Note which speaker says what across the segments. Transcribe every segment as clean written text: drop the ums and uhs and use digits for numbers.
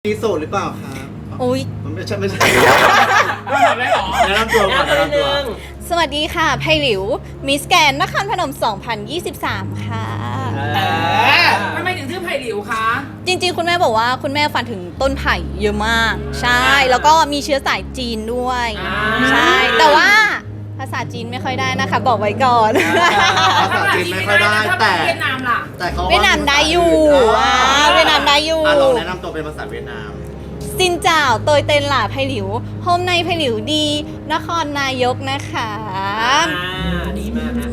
Speaker 1: มีโสดหรือเปล่าครับ
Speaker 2: อุ๊ย
Speaker 1: มันไม่ใช่ไม่ใช่
Speaker 3: ไม่ทำได้หรอ
Speaker 1: แนะนำตัวก่อนแนะนำตัว
Speaker 2: สวัสดีค่ะไพหลิวมิสแกนนครพนม 2023 ค่ะ
Speaker 3: ทำไมถึงชื่อไผ่หลิวคะ
Speaker 2: จริงๆ คุณแม่บอกว่าคุณแม่ฝันถึงต้นไผ่เยอะมาก ใช่ แล้วก็มีเชื้อสายจีนด้วย ใช่ แต่ว่าภาษาจีนไม่ค่อยได้นะคะ บอกไว้ก่อน
Speaker 1: ภาษาจีนไม่ค่อยได้แต่
Speaker 3: เวียดนามล่ะ
Speaker 1: แต่เขา
Speaker 2: เวียดนามได้อยู่เวียดนามได้อยู่
Speaker 1: ลองแนะนำตัวเป็นภาษาเวียดนาม
Speaker 2: ซินเจ้าโตยเต้นหล่าไพหลิวโฮมในไพหลิวดี นครนายกนะคะ
Speaker 3: ดีมากนะ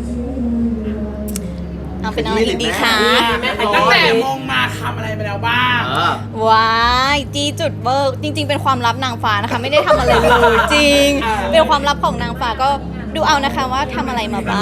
Speaker 2: เอาเป็นอะไรดีคะ
Speaker 3: ตั้งแต่มงมาทำอะไรไปแล้วบ้าง
Speaker 2: ว้ายจีจุดเบิร์กจริง ๆ เป็นความลับนางฟ้านะคะ ไม่ได้ทำอะไรเลยจริง เป็นความลับของนางฟ้าก็ดูเอานะคะว่าทำอะไรมาบ้าง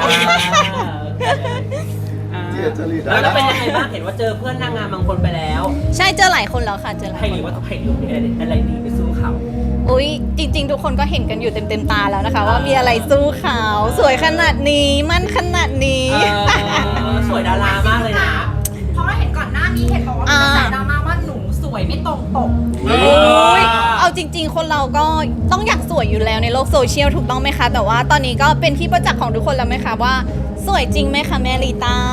Speaker 1: เจียจริต
Speaker 4: แล้วเป็นยังไงบ้างเห็นว่าเจอเพื่อนนางงามบางคนไปแล้ว
Speaker 2: ใช่เจอหลายคนแล้วค่ะเจอหลาย
Speaker 4: ไผ่
Speaker 2: ค
Speaker 4: ห
Speaker 2: น
Speaker 4: ลิวว่าไผ่หลิวมีอะไรดีไปสู้เขา
Speaker 2: อุ้ยจริง ๆ ทุกคนก็เห็นกันอยู่เต็มตาแล้วนะคะ ว่ามีอะไรสู้เขาสวยขนาดนี้มั่นขนาดนี้
Speaker 4: สวยดารามากเลยนะ
Speaker 5: เพราะว่าเห็นก่อนหน้านี้เห็นบอกว่ามีกระแสดราม่าว่าหนูสวยไม่ตรงปก
Speaker 2: โอ้ยเอาจริง ๆ คนเราก็ต้องอยากสวยอยู่แล้วในโลกโซเชียลถูกต้องไหมคะ แต่ว่าตอนนี้ก็เป็นที่ประจักษ์ของทุกคนแล้วไหมคะว่าสวยจริงไหมคะแมริตา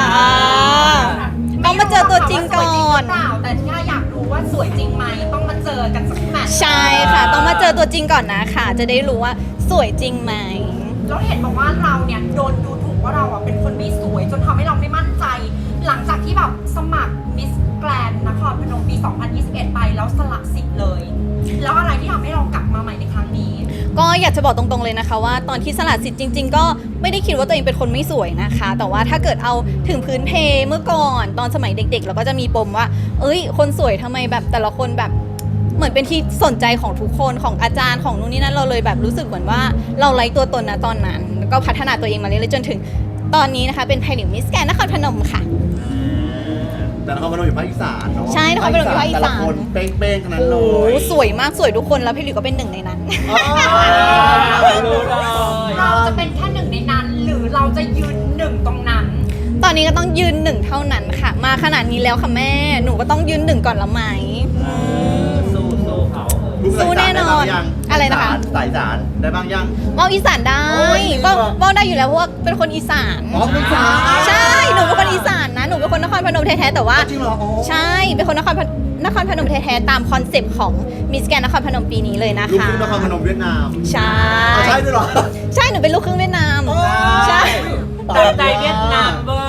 Speaker 2: ต้องมาเจอตัวจริงก่อน
Speaker 5: เปล่าแต่ที่อยากรู้ว่าสวยจริงไหมต้องมาเจอกันสักแมตช์
Speaker 2: ใช่ค่ะ ต้องมาเจอตัวจริงก่อนนะค่ะ จะได้รู้ว่าสวยจริงไหม
Speaker 5: แล้วเห็นบอกว่าเราเนี่ยโดนดูถูกว่าเราอ่ะเป็นคนไม่สวยจนทำให้เราไม่มั่นใจ หลังจากที่แบบสมัครมิสแกรนนครพนมปี 2021 ไปแล้วสละสิทธิ์เลย แล้วอะไรที่ทำให้เรากลับมาใหม่ในครั้งนี้
Speaker 2: ก็อยากจะบอกตรงๆเลยนะคะว่าตอนที่สละสิทธิ์จริง ๆ ก็ไม่ได้คิดว่าตัวเองเป็นคนไม่สวยนะคะ แต่ว่าถ้าเกิดเอาถึงพื้นเพเมื่อก่อนตอนสมัยเด็กๆเราก็จะมีปมว่า เอ้ยคนสวยทำไมแบบแต่ละคนแบบเหมือนเป็นที่สนใจของทุกคนของอาจารย์ของนู่นนี่นั่นเราเลยแบบรู้สึกเหมือนว่าเราไร้ตัวตนนะตอนนั้นแล้วก็พัฒนาตัวเองมาเรื่อยๆจนถึงตอนนี้นะคะเป็นไพหลิวมิสแกรนด์นครพนมค่ะ
Speaker 1: แต่นครพนมอยู่ภาคอีสานเนาะ
Speaker 2: ใช่นครพนมอยู่ภาคอีสาน
Speaker 1: แต่ละคนเป้งๆทั้งนั้นเล
Speaker 2: โอ้
Speaker 1: ย
Speaker 2: สวยมากสวยทุกคนแล้วไพหลิวก็เป็นหนึ่งในนั้น
Speaker 4: รู้เลย
Speaker 5: เราจะเป็นแค่หนึ่งในนั้น หรือเราจะยืนหนึ่งตรงนั้น
Speaker 2: ตอนนี้ก็ต้องยืนหนึ่งเท่านั้นค่ะ มาขนาดนี้แล้วค่ะแม่หนูก็ต้องยืนหนึ่งก่อนละไหม
Speaker 4: สู้เขา
Speaker 1: ลูกสาย
Speaker 2: สู้แน่นอน
Speaker 1: สายสา
Speaker 2: อะไรนะคะ
Speaker 1: สายสารได้บ้างยัง
Speaker 2: เว่าอีสานได้
Speaker 1: โอ้ย
Speaker 2: เว่าได้อยู่แล้วเพราะว่าเป็นคนอีสาน
Speaker 1: อ๋อเป็นสาย
Speaker 2: ใช่หนูเป็นคนอีสานนะหนูเป็นคนนครพนมแท้ๆแต่ว่า
Speaker 1: จริงเหรออ๋อ
Speaker 2: ใช่เป็นคนนครพนมแท้ๆตามคอนเซปต์ของมิสแกรนด์นครพนมปีนี้เลยนะ
Speaker 1: ลูก
Speaker 2: คะ
Speaker 1: ครึ่งนครพนมเวียดนาม
Speaker 2: ใช่
Speaker 1: อ๋อใช่ด้วยเหรอ
Speaker 2: ใช่หนูเป็นลูกครึ่งเวียดนามใช่
Speaker 4: ตั้งใจเวียดนามเบอร์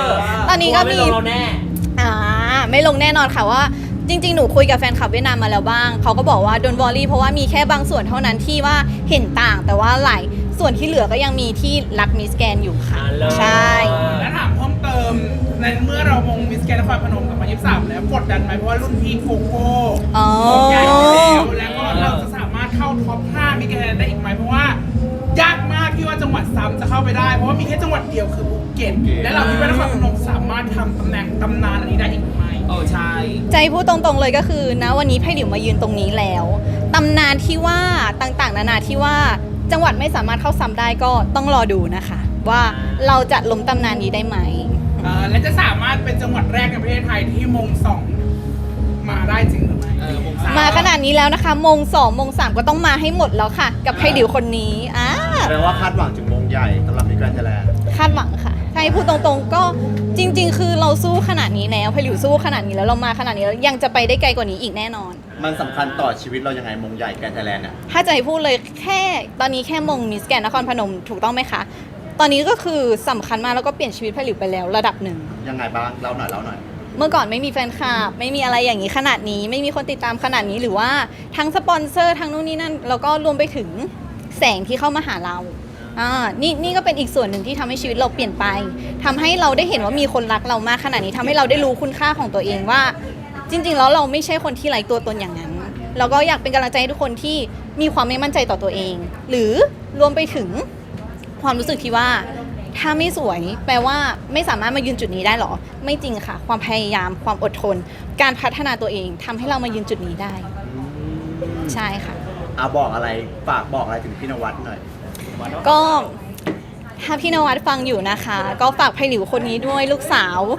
Speaker 2: ตอนนี้ก็มี
Speaker 4: ไม่ลงเราแน่
Speaker 2: ไม่ลงแน่นอนค่ะว่าจริงๆ หนูคุยกับแฟนคลับเวียดนามมาแล้วบ้างเขาก็บอกว่าโดนวอรี่เพราะว่ามีแค่บางส่วนเท่านั้นที่ว่าเห็นต่าง แต่ว่าหลายส่วนที่เหลือก็ยังมีที่รักมิสแกรนด์อยู่ค่ะ ใช่
Speaker 3: แล้วถามเพิ่มเติมในเมื่อเรามงมิสแกนนครพนมกับ2023แล้วกดดันไหมเพราะว่ารุ่นพี่โกโก้
Speaker 2: อ๋อ
Speaker 3: ใหญ่แล้วก็เราจะสามารถเข้าท็อป 5 มิสแกนได้อีกไหมเพราะว่ายากมากที่ว่าจังหวัดซ้ำจะเข้าไปได้เพราะว่ามีแค่จังหวัดเดียวคือภูเก็ตและเราคิดว่านครพนมสามารถทำตำแหน่งตำนานอันนี้ได้อีกไหมใช่
Speaker 2: ใจพูดตรงๆเลยก็คือนะวันนี้ไพ่หลิวมายืนตรงนี้แล้วตำนานที่ว่าต่างๆนานาที่ว่าจังหวัดไม่สามารถเข้าซ้ำได้ก็ต้องรอดูนะคะ ว่าเราจะล้มตำนานนี้ได้ไหม
Speaker 3: และจะสามารถเป็นจังหวัดแรกในประเทศไทยที่มงสองมาได้จริงหรือไม่มงสาม
Speaker 2: มาขนาดนี้แล้วนะคะมง2มง3ก็ต้องมาให้หมดแล้วค่ะ กับไพ่หลิวคนนี้
Speaker 1: แปลว่าคาดหวังถึงมงใหญ่สำหรับมิสแกรนด์ไทยแลนด์
Speaker 2: คาดหวังค่ะถ้าให้พูดตรงๆก็จริง ๆ คือเราสู้ขนาดนี้แล้วไพ่หลิวสู้ขนาดนี้แล้วเรามาขนาดนี้แล้วยังจะไปได้ไกลกว่านี้อีกแน่นอน
Speaker 1: มันสำคัญต่อชีวิตเรายังไงมงใหญ่แกรนด์ไทยแลนด์เนี่ย
Speaker 2: ถ้าจะให้พูดเลยแค่ตอนนี้แค่มงมิสแกรนด์นครพนมถูกต้องไหมคะ ตอนนี้ก็คือสำคัญมากแล้วก็เปลี่ยนชีวิตไพ่หลิวไปแล้วระดับหนึ่ง
Speaker 1: ยังไงบ้างเล่าหน่อย
Speaker 2: เมื่อก่อนไม่มีแฟนคลับไม่มีอะไรอย่างนี้ขนาดนี้ ไม่มีคนติดตามขนาดนี้หรือว่าทั้งสปอนเซอร์ทั้งนู่นนี่นั่นแล้วก็รวมไปถึงแสงที่เข้ามาหาเรานี่ก็เป็นอีกส่วนหนึ่งที่ทำให้ชีวิตเราเปลี่ยนไปทำให้เราได้เห็นว่ามีคนรักเรามากขนาดนี้ทำให้เราได้รู้คุณค่าของตัวเองว่า จริงๆแล้วเราไม่ใช่คนที่ไร้ตัวตนอย่างนั้นเราก็อยากเป็นกำลังใจให้ทุกคนที่มีความไม่มั่นใจต่อตัวเอง หรือรวมไปถึงความรู้สึกที่ว่าถ้าไม่สวยแปลว่าไม่สามารถมายืนจุดนี้ได้หรอไม่จริงค่ะความพยายามความอดทน การพัฒนาตัวเองทำให้เรามายืนจุดนี้ได้ ใช่ค่ะ
Speaker 1: บอกอะไรฝากบอกอะไรถึงพี่นวัดหน่อย
Speaker 2: ก็ถ้าพี่นวัดฟังอยู่นะคะ ก็ฝากไพหลิวคนนี้ด้วยลูกสาว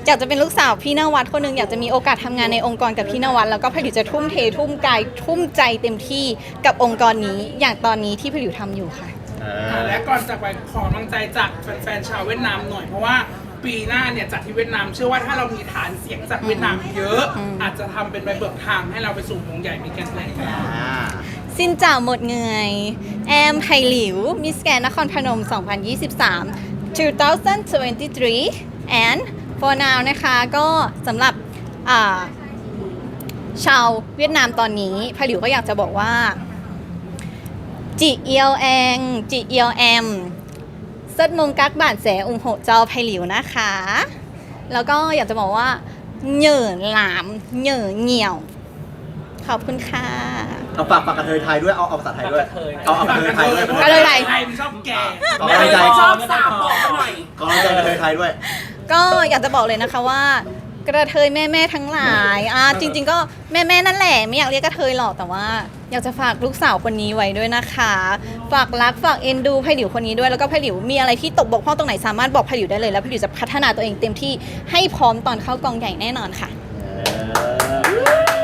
Speaker 2: อยากจะเป็นลูกสาวพี่นวัดคนหนึ่งอยากจะมีโอกาสทำงานในองค์กรกับพี่นวัดแล้วก็ผลิวจะทุ่มเททุ่มกายทุ่มใจเต็มที่กับองค์กรนี้อย่างตอนนี้ที่ผลิวทำอยู่ค่ะ
Speaker 3: และก่อนจากไปขอกำลังใจจากแฟนๆชาวเวียดนามหน่อยเพราะว่าปีหน้าเนี่ยจัดที่เวียดนามเชื่อว่าถ้าเรามีฐานเสียงจากเวียดนามเยอะ อาจจะทำเป็นใบเบิกทางให้เราไปสู่วงใหญ่มีแกนแหล่งกัน
Speaker 2: สินจ่าหมดเงยแอมไพหลิวมิสแกนนครพนม 2023 2023 and for now นะคะก็สำหรับชาวเวียดนามตอนนี้ไพหลิวก็อยากจะบอกว่าจีเอียวแองจีเอียวแอมซัดมงกักบาดแสอุงโหเจ้าไพหลิวนะคะ แล้วก็อยากจะบอกว่าเหนื่อหลามเหนื่อเหี่ยวขอบคุณค่ะ
Speaker 1: เอาฝากกระเทยไทยด้วย เอาภาษาไทยด้วย เอากระเทยไทยด้วย
Speaker 2: กระเทยไทย
Speaker 3: มันชอบแก่
Speaker 1: เอากระเทยไทย
Speaker 5: ชอบสาวบอกหน่อย
Speaker 1: กำลังใจกระเทยไทยด้วย
Speaker 2: ก็อยากจะบอกเลยนะคะว่ากระเทยแม่ๆทั้งหลายจริงๆก็แม่ๆนั่นแหละไม่อยากเรียกกระเทยหรอกแต่ว่า อยากจะฝากลูกสาวคนนี้ไว้ด้วยนะคะ ฝากรักฝากเอ็นดูไผ่หลิวคนนี้ด้วยแล้วก็ไผ่หลิวมีอะไรที่ตกบกพร่องตรงไหนสามารถบอกไผ่หลิวได้เลยแล้วไผ่หลิวจะพัฒนาตัวเองเต็มที่ให้พร้อมตอนเข้ากองใหญ่แน่นอนค่ะ
Speaker 1: เออ